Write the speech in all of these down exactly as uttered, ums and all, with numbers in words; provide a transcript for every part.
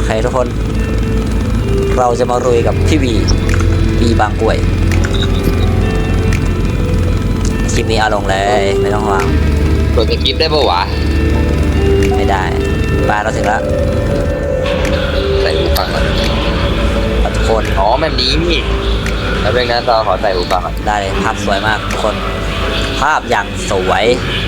เคทุกคนเราจะมาลุยกับพี่วีวีบางกล้วยคลิปนี้เอาลงเลยไม่ต้องห่วงกดสกิปได้ปะวะไม่ได้บ้านเราถึงแล้วใส่หูฟังก่อนทุกคนอ๋อแบบนี้นี่แล้วเป็นงั้นเราขอใส่หูฟังก่อนได้เลยภาพสวยมากทุกคนภาพอย่างสวย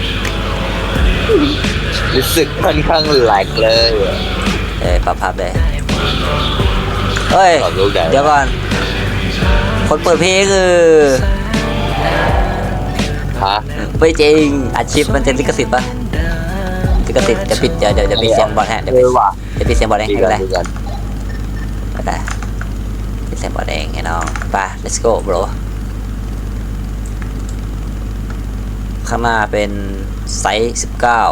รู้สึกค่อนข้างแหลกเลยเอ้ยปรับภาพเลยเฮ้ยเดี๋ยวก่อนคนเปิดเพลงคือฮะไม่จริงอาชีพมันเป็นลิขสิทธิ์ปะลิขสิทธิ์จะปิดเดี๋ยวเดี๋ยวจะปิดเสียงบอลให้เดี๋ยวปิดจะปิดเสียงบอลเองก็ได้ก็ได้ปิดเสียงบอลเองให้น้องไป let's go bro ข้างหน้าเป็นไซส์สิบเก้า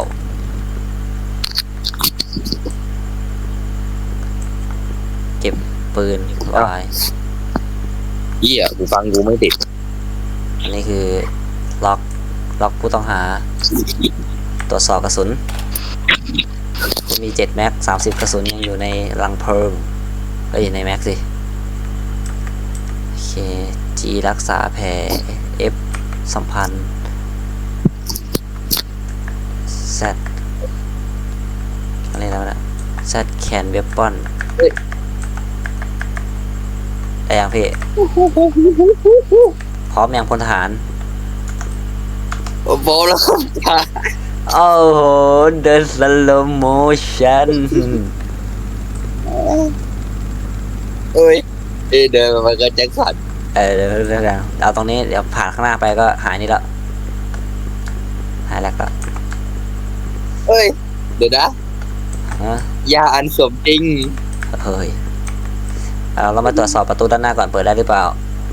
เก็บปืนไว้เหี้ยหูฟังกูไม่ติดอันนี้คือล็อกล็อกผู้ต้องหาตรวจสอบกระสุนมีเจ็ดแม็กสามสิบกระสุนยังอยู่ในลังเพลิงก็อยู่ในแม็กสิโอเค G รักษาแผล F สัมพันธ์ Z อะไรแล้วนะ Z แคนเวปอนได้ยังพี่พร้อมยังพลทหารโอ้โหแล้วครับโอ้โหเดินสโลโมชั่นเอ้ยเดินมาก็แจ็คสันเออเดี๋ยวเดี๋ยวเอาตรงนี้เดี๋ยวผ่านข้างหน้าไปก็หายนี่แล้วหายแล้วก็เอ้ยเดี๋ยวนะยาอันสมจริงเฮ้ยเอาเรามาตรวจสอบประตูด้านหน้าก่อนเปิดได้หรือเปล่า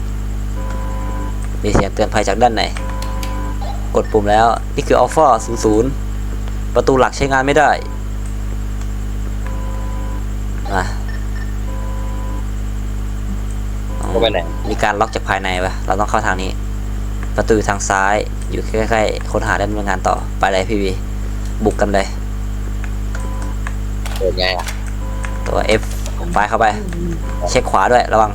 มีเสียงเตือนภัยจากด้านไหนกดปุ่มแล้วนี่คืออัลฟาศูนย์ศูนย์ประตูหลักใช้งานไม่ได้มาเข้าไปไหนมีการล็อกจากภายในปะเราต้องเข้าทางนี้ประตูทางซ้ายอยู่ใกล้ๆค้นหาได้ดำเนินงานต่อไปเลยพี่วีบุกกันเลยเปิดไงอ่ะตัว F ไปเข้าไปเช็คขวาด้วยระวัง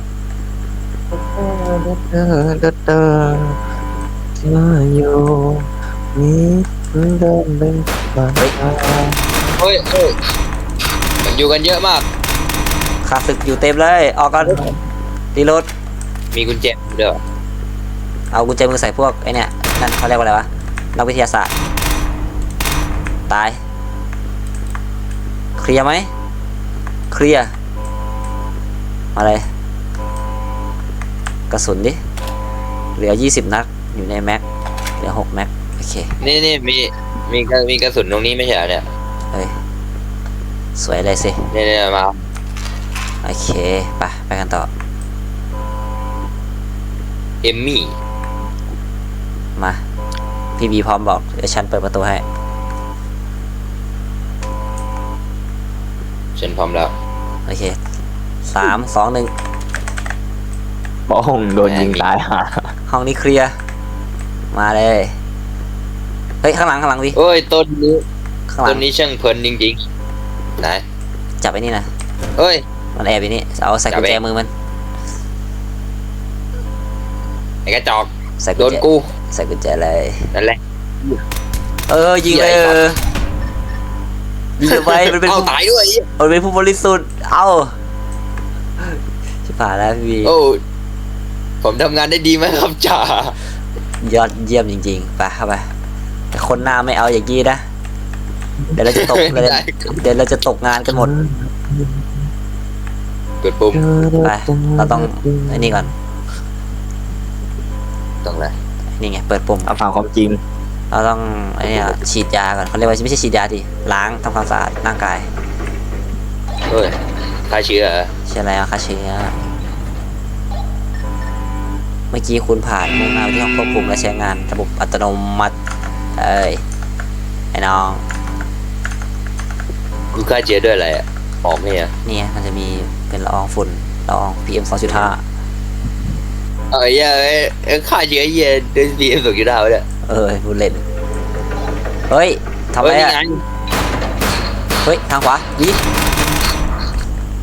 อยู่นี่เดินเป็นบ้านเฮ้ยเฮ้ยมันอยู่กันเยอะมากข้าศึกอยู่เต็มเลยออกกันตีรถมีกุญแจเด้อเอากุญแจมือใส่พวกไอเนี่ยนั่นเขาเรียกว่าอะไรวะนักวิทยาศาสตร์ตายเคลียร์ไหมเคลียร์มาเลยกระสุนดิเหลือยี่สิบนัดอยู่ในแม็กเหลือหกแม็กโอเคนี่นี่มีมีมีกระสุนตรงนี้ไม่ใช่เหรอเนี่ยเฮ้ยสวยเลยสิเนี่ยเนี่ยมาโอเคไปไปกันต่อเอมมี่มาพี่บีพร้อมบอกเดี๋ยวฉันเปิดประตูให้ฉันพร้อมแล้วโอเคสามสองหนึ่งบ้องโดนยิงตายฮะห้องนี้เคลียร์มาเลยเฮ้ยข้างหลังข้างหลังพี่โอ้ยต้นนี้ต้นนี้ช่างเพลินจริงๆไหนจับไอ้นี่นะเฮ้ยมันแอบอยู่นี่เอาใส่กุญแจมือมันไอ้กระจอกใส่โดนกูใส่กุญแจเลยนั่นแหละเออยิงเลยยิงไปมันเป็นเอาตายด้วยมันเป็นผู้บริสุทธิ์เอาชิบหายแล้วพี่โอ้ผมทำงานได้ดีไหมครับจ่ายอดเยี่ยมจริงๆไปเข้าไปแต่คนหน้าไม่เอาอย่างกี้นะเดี๋ยวเราจะตกเดี๋ยวเราจะตกงานกันหมดกดปุ่มไปเราต้องไอ้นี่ก่อนต้องอะไรนี่ไงเปิดปุ่มเอาฝั่งความจริงเราต้องไอ้นี่ฉีดยาก่อนเขาเรียกว่าไม่ใช่ฉีดยาดิล้างทำความสะอาดร่างกายเฮ้ยฆ่าเชื้อใช่แล้วฆ่าเชื้อเมื่อกี้คุณผ่านมุ่งหน้าไปที่ห้องควบคุมและใช้งานระบบอัตโนมัติเอ้ยไอ้น้องกูฆ่าเชื้อด้วยอะไรอ่ะหอมไหมอ่ะเนี่ยมันจะมีเป็นละอองฝุ่นละออง พี เอ็ม สองจุดห้าเอ้ยเอ้ยฆ่าเชื้อเย็นด้วย พี เอ็ม สองจุดห้าเนี่ยเออพูดเล่นเฮ้ยทำไรอ่ะเฮ้ยทางขวาดี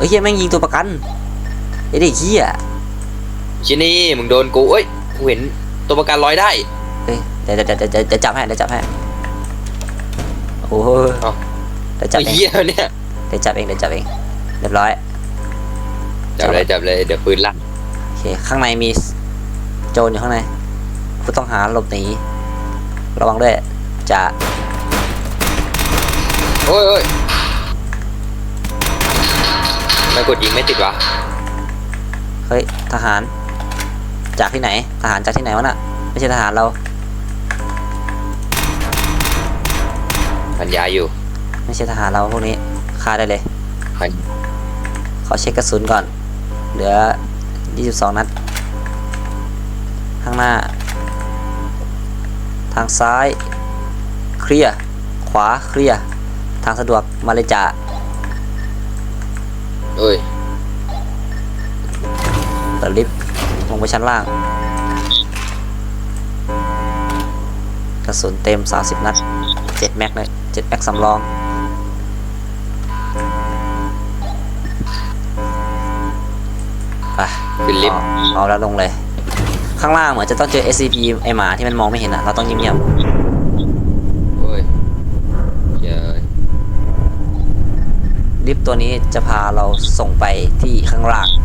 อ้ยเฮียแม่งยิงตัวประกันไอ้เด็กเฮียชินี่มึงโดนกูเอ้ยกูเห็นตัวประกันลอยได้เฮ้ยเดี๋ยวเดี๋ยวเดี๋ยวเดี๋ยวเดี๋ยวจับให้เดี๋ยวจับให้โอ้โหเอ้าเดี๋ยวจับไอ้เองเหี้ยเนี่ยเดี๋ยวจับเองเดี๋ยวจับเองเรียบร้อยจับเลยจับเลยเดี๋ยวปืนลั่นโอเคข้างในมีโจรอยู่ข้างในผู้ต้องหาหลบหนีระวังด้วยจะโอ้ยโอ้ยไม่กดยิงไม่ติดวะเฮ้ยทหารจากที่ไหนทหารจากที่ไหนวะน่ะไม่ใช่ทหารเราพันยาอยู่ไม่ใช่ทหารเราพวกนี้ฆ่าได้เลยพันขอเช็คกระสุนก่อนเหลือยี่สิบสองนัดข้างหน้า ทางซ้ายเคลียร์ขวาเคลียร์ทางสะดวกมาเลยจ่าเอ้ยเปิดลิฟต์ลงไปชั้นล่าง กระสุนเต็มสามสิบนัดเจ็ดแม็กเลยเจ็ดแม็กสำรองไปขึ้นลิฟต์เอาเอาแล้วลงเลย ข้างล่างเหมือนจะต้องเจอ เอส ซี พี ไอหมาที่มันมองไม่เห็นอ่ะเราต้องเงียบโอ้ยเย้ยๆลิฟต์ตัวนี้จะพาเราส่งไปที่ข้างล่าง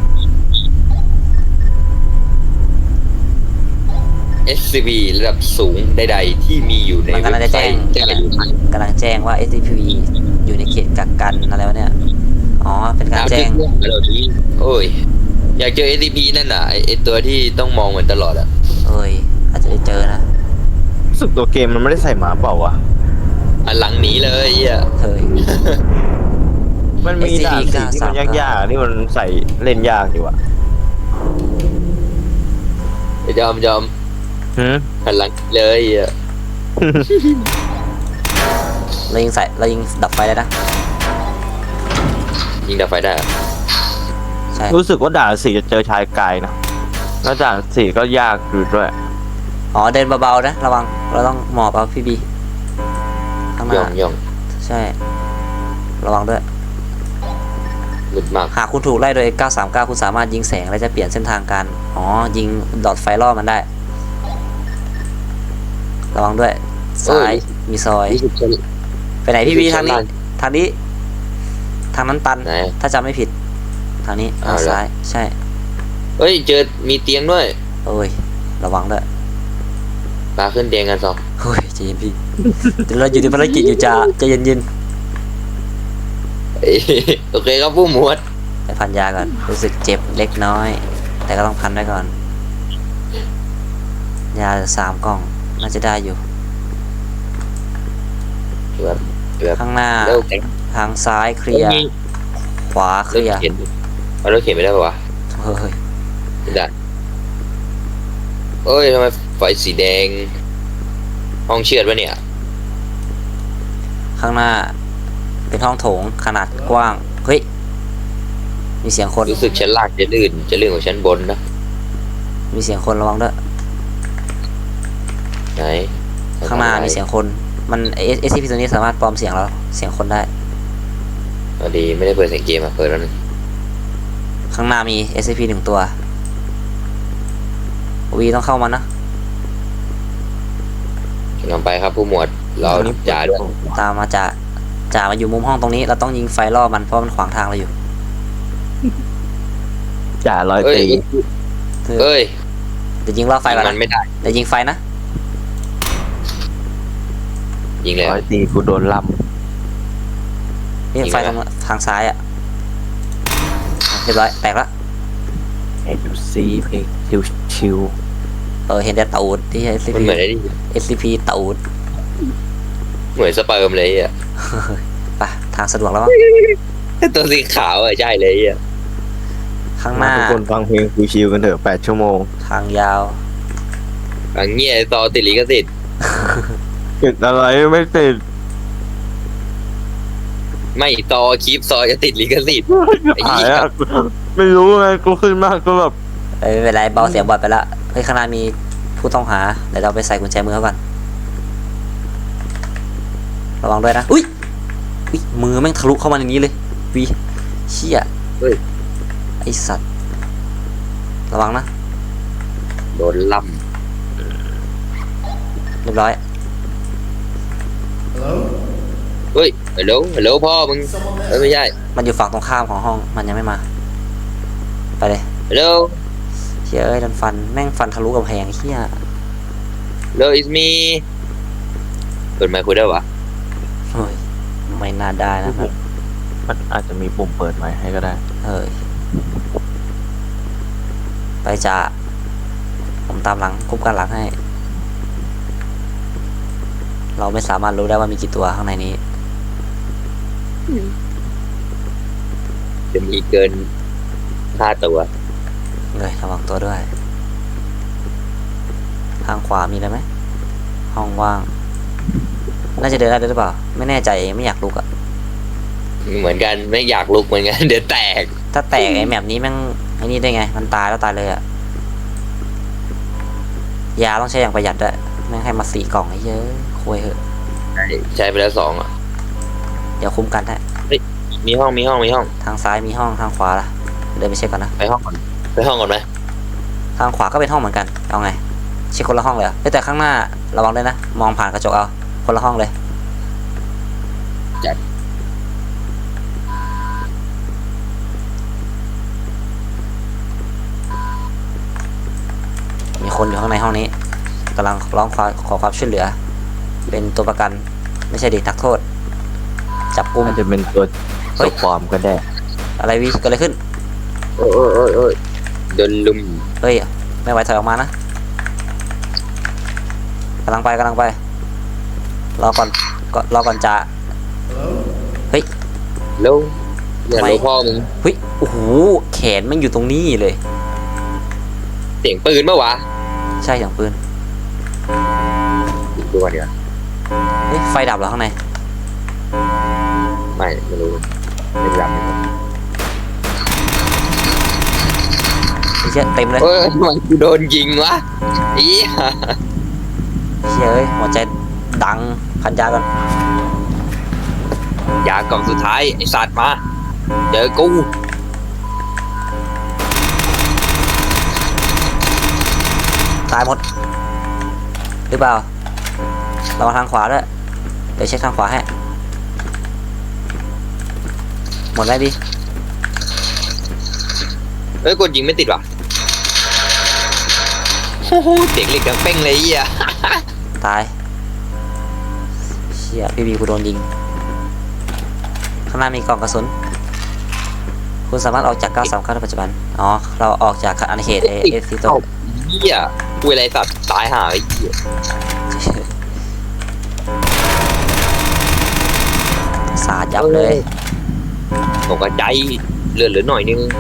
เอส ซี บี ระดับสูงใดๆที่มีอยู่ในมันกำลังจะแจ้งจะอยู่กำลังแจ้งว่า เอส ซี พี อยู่ในเขตกักกันอะไรวะเนี่ยอ๋อเป็นการแจ้งโอ้ยอยากเจอ เอส ซี บี นั่นน่ะไอ้ไอตัวที่ต้องมองเหมือนตลอดอะเอ้ยอาจจะได้เจอนะรู้สึกตัวเกมมันไม่ได้ใส่หมาเปล่าวะอันหลังหนีเลยอ่ะเฮ้ยมันมีด่านสีที่มันยากๆที่มันใส่เล่นยากอยู่อะไอ้จอมจอมหืมหันหลังเลยอ่ะเรายิงใส่เรายิงดับไฟได้นะยิงดับไฟได้อะใช่รู้สึกว่าด่านสีจะเจอชายกายนะแล้วด่านสีก็ยากอยู่ด้วยอ๋อเดินเบาๆนะระวังเราต้องหมอบเอาพี่บีข้างหย่อน้างย่องใช่ ระวังด้วยมืดมากหากคุณถูกไล่โดย เก้าสามเก้า คุณสามารถยิงแสงและจะเปลี่ยนเส้นทางการอ๋อยิงดอทไฟล่อมันได้ ระวังด้วยซ้ายมีซอยยี่สิบชั้นไปไหนพี่บีอยู่ชั้ทาน งนี้ล่างทางนี้ ทางนั้นตันไหนถ้าจำไม่ผิด ทางนี้อ้าทาว งเหรอซ้าย ใช่เฮ้ยเจอมีเตียงด้วยโอ้ย ระวังด้วยปาขึ้นเตียงกันสองเฮ้ยใจเย็นพี่เดี๋ยวเราอยู่ในภารกิจอยู่จ้าใจเย็นเอ้ยโอเคครับผู้หมวดๆไปพันยาก่อน รู้สึกเจ็บเล็กน้อย แต่ก็ต้องพันไว้ก่อน ยาสามกล่อง น่าจะได้อยู่แบบแบบข้างหน้าแล้วแข็งทางซ้ายเคลียร์ ขวาเครถลียร์เข็นเอารถเข็นไม่ได้ปะวะเฮ้ยไม่ได้เอ้ยทำไมไฟสีแดง ห้องเชือดวะเนี่ยข้างหน้า เป็นห้องโถงขนาดกว้าง เฮ้ย มีเสียงคนรู้สึกชั้นล่างจะลื่นจะลื่นกว่าชั้นบนนะมีเสียงคนระวังด้วยไหนข้างหน้ามีเสียงคน มันเอสซีพีตัวนี้สามารถปลอมเสียงเราเสียงคนได้พอดีไม่ได้เปิดเสียงเกมอะเปิดแล้วนึงข้างหน้ามี เอส ซี พี หนึ่งตัว วีต้องเข้ามานะกำลังไปครับผู้หมวดเราจ่าด้วยตามมาจ่าจ่ามาอยู่มุมห้องตรงนี้ เราต้องยิงไฟล่อมันเพราะมันขวางทางเราอยู่จ่าลอยเอ้ยตีเอ้ยเดี๋ยวยิงล่อไฟก่อนมันะนไม่ได้เดี๋ยวยิงไฟนะยิงแล้วลอยตีกูโดนลนี่ยิงไฟไหมตรงทางซ้ายอ่ะเรียบร้อยแตกละำเอ็ดูซีเพลงชิวชิวเออเห็นแต่ตูดที่ เอส ซีมันพีเหมือนไอ้นี่เอส ซี พี ตูดเหมือนสเปิร์มเลยอ่ะไปทางสะดวกแล้วมั้งตัวสีขาวอ่ะใช่เลยอ่ะข้างหมาน้าทุกคนฟังเพลงชิวๆกันเถอะแปดชั่วโมงทางยาวอังเงี้ยต่อติดลิขสิทธิ์ติดอะไรไม่ติดไม่ต่อคลิปซอยจะติดลิขสิทธิ์ ไอ้หาเหี้ยยอะไม่รู้ไงกูขึ้นมากก็แบบเอ้ยไม่เป็นไรเบาเสียงบอดไปละเฮ้ยข้างหน้ามีผู้ต้องหาเดี๋ยวเราไปใส่กุญแจมือเขาก่อนระวังด้วยนะอุ้ยอุ้ยมือแม่งทะลุเข้ามาในนี้เลยวีเชี่ยเฮ้ยไอสัตว์ระวังนะโดนล่เรียบร้อยำเฮ้ยฮัลโหลฮัลโหลพ่อมึงเอ้ยไม่ใช่มันอยู่ฝั่งตรงข้ามของห้องมันยังไม่มาไปเลยฮัลโหลเชี่ยเอ้ยดันฟันแม่งฟันทะลุกำแพงเชี่ยฮัลโหล is me เปิดไมค์คุยได้ปะเฮ้ยไม่น่าได้นะครับมันอาจจะมีปุ่มเปิดไว้ให้ก็ได้เฮ้ยไปจ่าผมตามหลังคุ้มกันหลังให้ เราไม่สามารถรู้ได้ว่ามีกี่ตัวข้างในนี้จะมีเกินห้าตัวเลยระวังตัวด้วย ทางขวามีอะไรไหมห้องว่าง น่าจะเดินได้ด้วยหรือเปล่า ไม่แน่ใจไม่อยากลุกอะเหมือนกันไม่อยากลุกเหมือนกัน เดี๋ยวแตกถ้าแตกไอ้แมปนี้แม่งไอ้นี่ได้ไง มันตายแล้วตายเลยอะยาต้องใช้อย่างประหยัดด้วยแม่งให้มาสี่กล่องไอ้เยอะคุยเหอะใช่ใช้ไปแล้วสองอ่ะเดี๋ยวคุ้มกันได้มีห้องมีห้องมีห้องทางซ้ายมีห้องทางขวาล่ะเดินไปเช็คก่อนนะไปห้องก่อนไปห้องก่อนไหมทางขวาก็เป็นห้องเหมือนกันเอาไงเช็คคนละห้องเลยเหรอเอ้ยแต่ข้างหน้าระวังด้วยนะมองผ่านกระจกเอาคนละห้องเลยจัดมีคนอยู่ข้างในห้องนี้กำลังร้องขอขอความช่วยเหลือ เป็นตัวประกันไม่ใช่เด็กนักโทษ จับกุมอาจจะเป็นตัวเฮ้ตัยวปลอมก็ได้อะไรวีเกิดอะไรขึ้นโอ้ยโอ้ยโอ้ยโอ้ยโดนลุมเฮ้ยไม่ไหวถอยออกมานะกำลังไปกำลังไปรอก่อนก็รอก่อนจะเฮ้ยแล้วอย่าทำไมรู้พ่อมึงเฮ้ยโอ้โหแขนมันอยู่ตรงนี้เลยเสียงปืนเมื่อวะใช่อย่างปืนอีกตัวเดียวเฮ้ยไฟดับเหรอข้างในไม่ไม่รู้ไม่รับไอ้เชี่ยเต็มเลยเอ้ยทำไมกูโดนยิงวะอีเชี่ยเอ้ยหัวใจดังพันยาก่อนยากล่องสุดท้ายไอสัตว์มาเจอกูตายหมดหรือเปล่าระวังทางขวาด้วยเดี๋ยวเช็คทางขวาให้หมดไหมพี่เอ้ยกดยิงไม่ติดว่ะโอ้โหเสียงเหล็กดังเป้งเลยไอ่ะตายเชี่ยพี่บีกูโดนยิงข้างหน้ามีกล่องกระสุนคุณสามารถออกจากเก้าสามเก้าในปัจจุบันอ๋อเราออกจากอาณาเขตเอเอฟซีโตเหี้ยกูอะไรสัตว์ตายห่าไอ้เหี้ยสาดยับเลยตกกระใจเลือดเหลือหน่อยนึง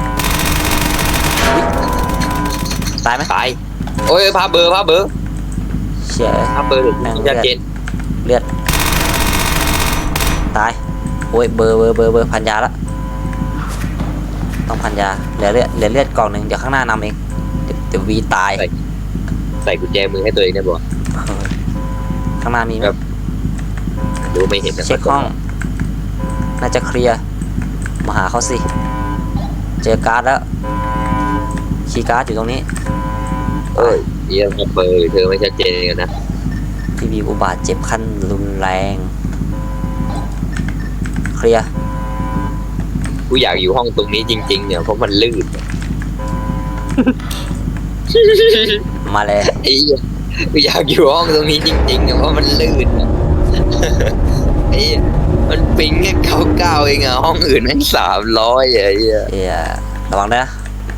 ตายไหมตายโอ้ยพาเบอร์พาเบอร์เชี่ยพาเบอร์แม่งชัดเจนเลือดตายโอ้ยเบอร์เบอร์เบอร์เบอร์พันยาละต้องพันยาเหลือเลือดเหลือเลือดกล่องหนึ่งเดี๋ยวข้างหน้านำเองเดี๋ยวเดี๋ยววีตายใส่กุญแจมือให้ตัวเองได้บ่ข้างหน้ามีไหมครับ ดูไม่เห็นนะเช็คห้อง น่าจะเคลียร์ มาหาเขาสิ เจอการ์ดแล้ว คีย์การ์ดอยู่ตรงนี้เอ้ยเยี่ยมพาเบอร์เธอไม่ชัดเจนกันนะพี่บีอุบาทเจ็บขั้นรุนแรง เคลียร์กูอยากอยู่ห้องตรงนี้จริงๆเนี่ยเพราะมันลื่นมาเลยไอ้เหี้ยกูอยากอยู่ห้องตรงนี้จริงๆเนี่ยเพราะมันลื่น ไอ้เหี้ยมันปิงแค่เก้าเก้าเองอะห้องอื่นแม่งสามร้อยไอ้เหี้ยเอียระวังด้วยนะ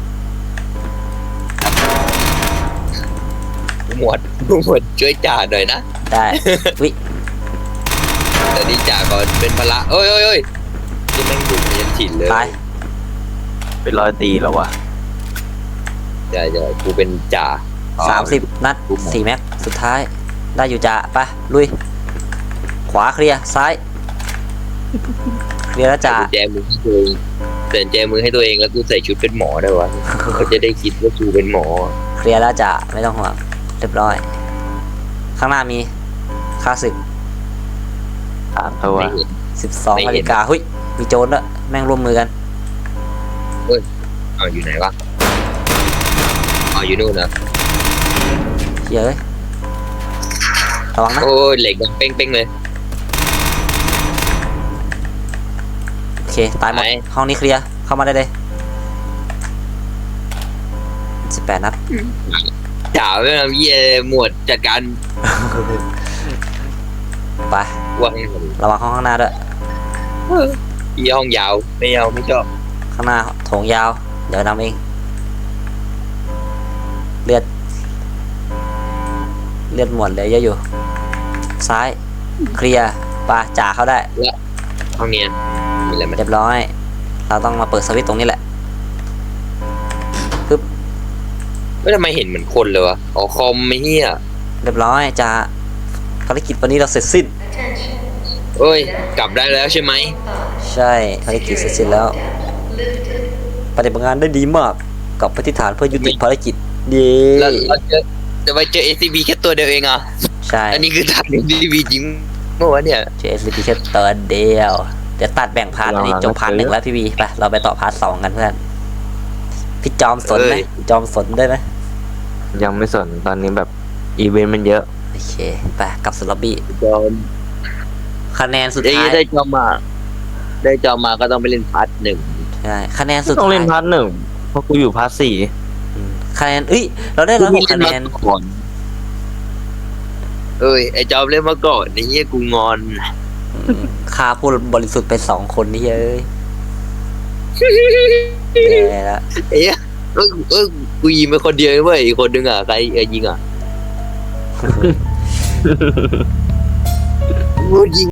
หมวดหมวดช่วยจ่าหน่อยนะได้วิแต่นี่จ่าก่อนเป็นพละเอ้ยเอ้ยเอ้ยที่แม่งดุยันฉินเลยตายเป็นร้อยตีแล้ววะใช่ใช่กูเป็นจ่าสามสิบนัดสี่แม็ก สุดท้าย ได้อยู่จ้ะไป ลุย ขวาเคลียร์ ซ้าย เคลียร์แล้วจ้ะใส่กุญแจมือให้ตัวเองใส่กุญแจมือให้ตัวเองแล้วกูใส่ชุดเป็นหมอได้วะ เขาจะได้คิดว่ากูเป็นหมอเคลียร์แล้วจ้ะไม่ต้องห่วงเรียบร้อย ข้างหน้ามีค่าศึกสามตัวไม่เห็นสิบสองไม่เห็นนาฬิกาเฮ้ย มีโจรด้วยแม่งร่วมมือกันเอาอยู่ไหนวะเอาอยู่นู่นนะเฮียเอ้ยระวังนะโอ้ยเหล็กดังเป้งๆเลยโอเคตายหมดไหนห้องนี้เคลียร์เข้ามาได้เลยสิบแปดนัดจ่าไม่ทำเยี่ยหมวดจัดการไปวางระวังห้องข้างหน้าด้วยยี่ห้องยาวไม่เอาไม่ชอบข้างหน้าโถงยาว เดี๋ยวนำเอง เลือด เลือดหมดเลยเยอะอยู่ ซ้าย เคลียร์ปาจ่าเข้าได้ห้องเนียนมีอะไรไหมเรียบร้อย เราต้องมาเปิดสวิตช์ตรงนี้แหละไม่ทำไมเห็นเหมือนคนเลยวะอ๋อคอมไม่เฮียเรียบร้อยจ่าภารกิจวันนี้เราเสร็จสิ้นเอ้ยกลับได้แล้วใช่ไหมใช่ภารกิจเสร็จสิ้นแล้ว ปฏิบัติงานได้ดีมาก กับปฏิฐานเพื่อยุติภารกิจเย้แล้วเราเจอจะไปเจอ เอ ซี บี แค่ตัวเดียวเองอ่ะใช่อันนี้คือตัด เอ ซี บี จริงเมื่อวานเนี่ยเจสพีแค่ตัวเดียว เดี๋ยวตัดแบ่งพาร์ทอันนี้จบพาร์ทหนึ่งแล้วพี่บีไปเราไปต่อพาร์ทสองกันเพื่อน พี่จอมสนไหมพี่จอมสนได้ไหมยังไม่สนตอนนี้แบบอีเวนต์มันเยอะโอเคไปกลับสู่ล็อบบี้จอมคะแนนสุดได้ท้ายได้จอมมา ได้จอมมาก็ต้องไปเล่นพาร์ทหนึ่งใช่คะแนนสุดต้องท้ายเล่นพาร์ทหนึ่งเพราะกูอยู่พาร์ทสี่อืมคะแนนเอ้ยเราได้ร้อยหกคะแนนก่อนเอ้ยไอจอมเล่นมาก่อนไอ้เหี้ยกูงอนอืมฆ่าผู้บริสุทธิ์ไปสองคนนี่เอ้ยแย่ละไอ้เหี้ยเอ้ยเอ้ยกูยิงไปคนเดียวเว้ยอีกคนนึงอ่ะใครเอ้ยยิงอ่ะกูยิง